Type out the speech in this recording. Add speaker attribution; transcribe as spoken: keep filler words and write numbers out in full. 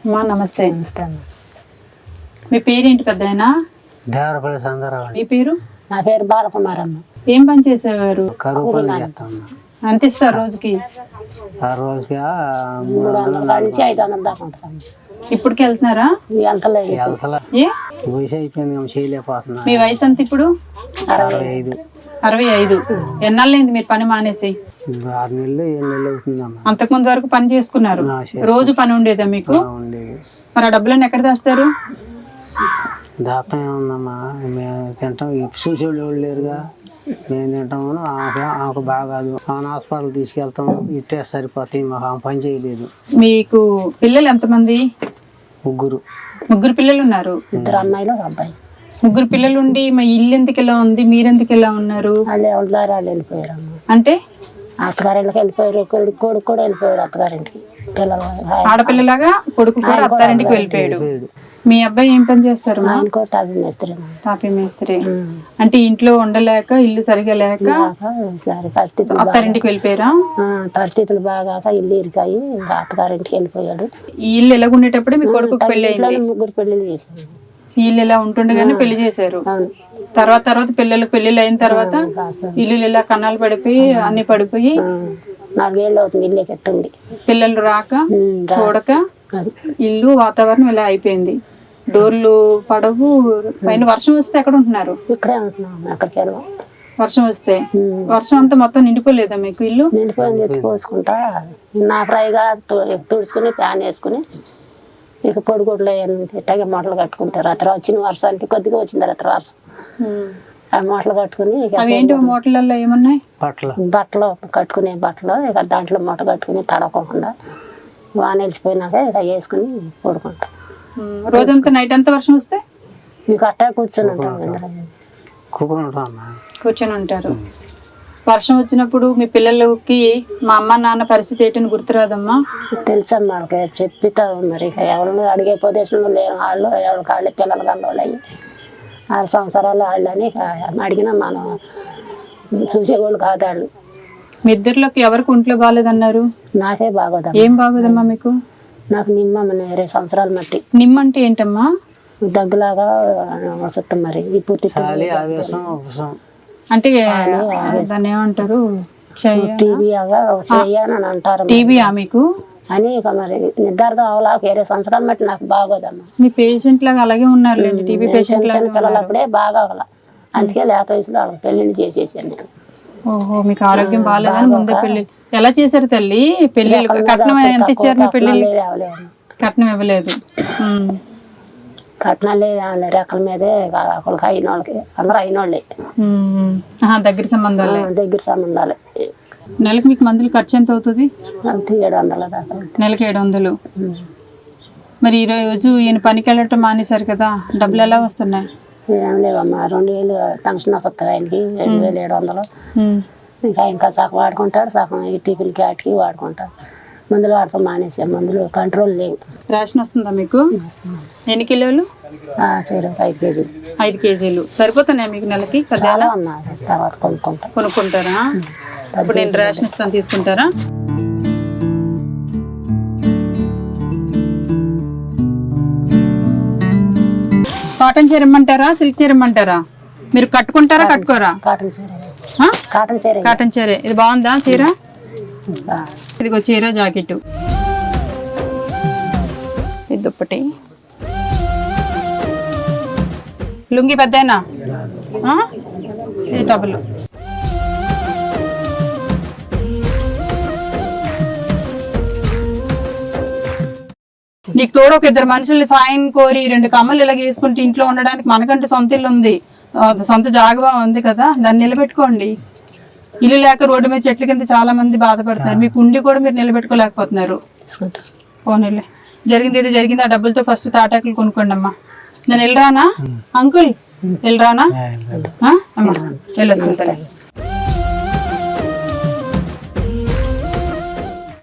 Speaker 1: అమ్మా నమస్తే. నమస్తే. మీ పేరేంటి పెద్దాయన?
Speaker 2: దేవరపల్లి సందరావు.
Speaker 1: మీ పేరు?
Speaker 3: నా పేరు బాలకుమారమ్మ.
Speaker 1: ఏం పని చేసేవారు?
Speaker 2: కరువు పని చేస్తాను.
Speaker 1: అంత ఇస్తారు రోజుకి?
Speaker 2: ఆ రోజుకి
Speaker 3: మూడు వందల నుంచి ఐదు వందల దాకా ఉంటాను.
Speaker 1: ఇప్పటికి వెళ్తున్నారా?
Speaker 3: వెళ్తలేదు.
Speaker 1: ఏ
Speaker 2: వయసు అయిపోయింది, చేయలేకపోతున్నా.
Speaker 1: మీ వయసు ఎంత ఇప్పుడు?
Speaker 2: అరవై ఐదు.
Speaker 1: అరవై ఐదు. ఎన్నాళ్ళైంది మీరు పని మానేసి?
Speaker 2: ఆరు నెలలు ఏడు నెలలు అవుతుందమ్మా.
Speaker 1: అంతకు ముందు వరకు పని చేసుకున్నారు? రోజు పని ఉండేదా మీకు?
Speaker 2: ఉండేది. మరి
Speaker 1: ఆ డబ్బులన్నీ ఎక్కడ తెస్తారు?
Speaker 2: దాపం ఏముందమ్మా, మేము తింటాం. చూసేవాళ్ళు ఎవరు లేరుగా, మేము తింటాము. ఆమెకు బాగాదు, ఆమె హాస్పిటల్ తీసుకెళ్తాం. ఇట్టే సరిపోతాయి, మాకు ఆమె పని చేయలేదు.
Speaker 1: మీకు పిల్లలు ఎంతమంది?
Speaker 2: ముగ్గురు.
Speaker 1: ముగ్గురు పిల్లలు ఉన్నారు?
Speaker 3: ఇద్దరు అమ్మాయిలు ఒక అబ్బాయి.
Speaker 1: ముగ్గురు పిల్లలు ఉండి మా ఇల్లు ఎందుకు ఎలా ఉంది, మీరెందుకు ఎలా ఉన్నారు?
Speaker 3: వాళ్ళు ఎవరు వాళ్ళు వెళ్ళిపోయారు.
Speaker 1: అంటే
Speaker 3: అత్తగారింటికి వెళ్ళిపోయారు. కొడుకు కొడుకు కూడా వెళ్ళిపోయాడు అత్తగారింటికి. పిల్లలు
Speaker 1: ఆడపిల్లలాగా కొడుకు కూడా అత్తారింటికి వెళ్ళిపోయాడు. మీ అబ్బాయి ఏం పని చేస్తారు?
Speaker 3: టాపీ మేస్త్రి.
Speaker 1: తాపీ మేస్త్రి. అంటే ఇంట్లో ఉండలేక, ఇల్లు సరిగా లేక
Speaker 3: పరిస్థితులు
Speaker 1: అత్తారింటికి వెళ్ళిపోయారా?
Speaker 3: పరిస్థితులు బాగా ఇల్లు ఇరికాయి, ఇంకా అత్తగారింటికి వెళ్ళిపోయాడు.
Speaker 1: ఈ ఇల్లు ఎలాగుండేటప్పుడే మీ కొడుకు పెళ్లి అయింది?
Speaker 3: ముగ్గురు పెళ్లిళ్ళు చేశాడు.
Speaker 1: ఈ ఇల్లు ఎలా ఉంటుండగానే పెళ్లి చేశారు. తర్వాత తర్వాత పిల్లలకు పెళ్లిళ్ళు అయిన తర్వాత ఇల్లు ఇలా కన్నాలు పడిపోయి అన్ని పడిపోయి
Speaker 3: నాలుగేళ్ళు అవుతుంది ఇల్లు కట్టింది.
Speaker 1: పిల్లలు రాక చూడక ఇల్లు వాతావరణం ఇలా అయిపోయింది. డోర్లు పడవు. పైన వర్షం వస్తే ఎక్కడ ఉంటున్నారు?
Speaker 3: ఇక్కడే ఉంటున్నాం. ఎక్కడికి వెళ్ళాం.
Speaker 1: వర్షం వస్తే వర్షం అంతా మొత్తం నిండిపోలేదా మీకు ఇల్లు?
Speaker 3: నిండిపోయింది. ఎత్తి పోసుకుంటా నా ఫ్రైగా తుడుచుకుని ప్యాన్ వేసుకుని ఇక పొడిగుడ్లు ఇట్లాగే మూటలు కట్టుకుంటారు. అతను వచ్చిన వర్షానికి కొద్దిగా వచ్చింది అతను వర్షం. ఆ మూటలు కట్టుకుని
Speaker 1: ఏంటి మూటలలో ఏమున్నాయి?
Speaker 2: బట్టలు
Speaker 3: బట్టలు కట్టుకునే బట్టలు. ఇక దాంట్లో మూట కట్టుకుని తడవకుండా వాన వెళ్ళిపోయినాక ఇక వేసుకుని పడుకుంటాం.
Speaker 1: రోజంతా నైట్ అంతా వర్షం వస్తే
Speaker 3: మీకు అట్టా కూర్చొని ఉంటాం.
Speaker 1: కూర్చొని ఉంటారు. వర్షం వచ్చినప్పుడు మీ పిల్లలకి మా అమ్మ నాన్న పరిస్థితి ఏంటని గుర్తురాదమ్మా?
Speaker 3: తెలుసమ్మా. వాళ్ళకి చెప్పితా మరి ఇక ఎవరు అడిగే ప్రదేశంలో లేని వాళ్ళు ఎవరికి వాళ్ళే పిల్లలు కలవాళ్ళు అయ్యి ఆరు సంవత్సరాలు వాళ్ళు అని అడిగినా మనం చూసేవాళ్ళు కాదు వాళ్ళు.
Speaker 1: మీ ఇద్దరిలోకి ఎవరికి ఒంట్లో బాగాలేదన్నారు?
Speaker 3: నాకే బాగోదా.
Speaker 1: ఏం బాగోదమ్మా మీకు?
Speaker 3: నాకు నిమ్మ ఇరవై సంవత్సరాల మట్టి.
Speaker 1: నిమ్మ అంటే ఏంటమ్మా?
Speaker 3: దగ్గులాగా వస్తుంది మరి. పూర్తి
Speaker 1: అంటే దాన్ని ఏమంటారు?
Speaker 3: టీబీ అని అంటారు.
Speaker 1: టీబీయా మీకు?
Speaker 3: అని ఇక మరి నిర్ధారణ అవలా ఇరవై సంవత్సరాల మట్టి నాకు బాగోదమ్మా.
Speaker 1: మీ పేషెంట్ లాగా అలాగే ఉన్నారు. టీబీ పేషెంట్ లాగా
Speaker 3: పిల్లలప్పుడే బాగా అవల. అందుకే లేత వయసులో వాళ్ళకి పెళ్లిళ్ళు చేసేసాను నేను.
Speaker 1: ఓహో, మీకు ఆరోగ్యం బాగాలేదని ముందే పెళ్లి ఎలా చేశారు తల్లి? పెళ్లిళ్ళు కట్నం ఎంత ఇచ్చారు? మీ పెళ్లి కట్నం ఇవ్వలేదు.
Speaker 3: కట్నాలే రెక్కల మీదే ఒకళ్ళకి అయిన వాళ్ళకి అందరూ అయిన వాళ్ళే.
Speaker 1: దగ్గర సంబంధాలే.
Speaker 3: దగ్గర సంబంధాలే.
Speaker 1: నెలకు మీకు మందులు ఖర్చు ఎంత అవుతుంది?
Speaker 3: ఏడు వందల దాకా.
Speaker 1: నెలకి ఏడు వందలు. మరి ఈ రోజు ఈయన పనికి వెళ్ళటం మానేశారు కదా, డబ్బులు ఎలా వస్తున్నాయి?
Speaker 3: ఏం లేవమ్మా. రెండు వేలు పెన్షన్ వస్తుంది ఆయనకి. రెండు వేలు ఏడు వందలు. ఇంకా ఇంకా సగం వాడుకుంటాడు, సగం ఈ టిఫిన్కి వాటికి వాడుకుంటాడు. మందులు వాడతాం మానేసే. మందులు కంట్రోల్ లేవు.
Speaker 1: రేషన్ వస్తుందా మీకు? ఎన్ని కిలోలు?
Speaker 3: ఐదు కేజీలు.
Speaker 1: ఐదు కేజీలు సరిపోతున్నాయి మీకు నెలకి?
Speaker 3: చాలా అమ్మా. తర్వాత కొనుక్కుంటా.
Speaker 1: కొనుక్కుంటారా? ఇప్పుడు నేను రేషన్ ఇస్తాను, తీసుకుంటారా? కాటన్ చీర ఇమ్మంటారా, సిల్క్ చీర ఇమ్మంటారా? మీరు కట్టుకుంటారా కట్టుకోరా?
Speaker 3: కాటన్ చీర. కాటన్ చీర.
Speaker 1: కాటన్ చీర. ఇది బాగుందా చీర? ఇదిగో చీర, జాకెట్, ఇది దుప్పటి, లుంగి పెద్దనా, ఇది టబుల్. నీకు తోడు ఒక ఇద్దరు మనుషుల్ని సాయం కోరి రెండు కమ్మలు ఇలా వేసుకుంటే ఇంట్లో ఉండడానికి మనకంటూ సొంత ఇల్లు ఉంది, సొంత జాగా ఉంది కదా, దాన్ని నిలబెట్టుకోండి. ఇల్లు లేక రోడ్డు మీద చెట్ల కింద చాలా మంది బాధపడుతున్నారు. మీకు ఉండి కూడా మీరు నిలబెట్టుకోలేకపోతున్నారు. పోనీలే, జరిగింది ఏదో జరిగింది. ఆ డబ్బులతో ఫస్ట్ తాటాకులు కొనుక్కోండి అమ్మా. నేను వెళ్ళరానా అంకుల్? వెళ్ళరానా? వెళ్ళొస్తాను.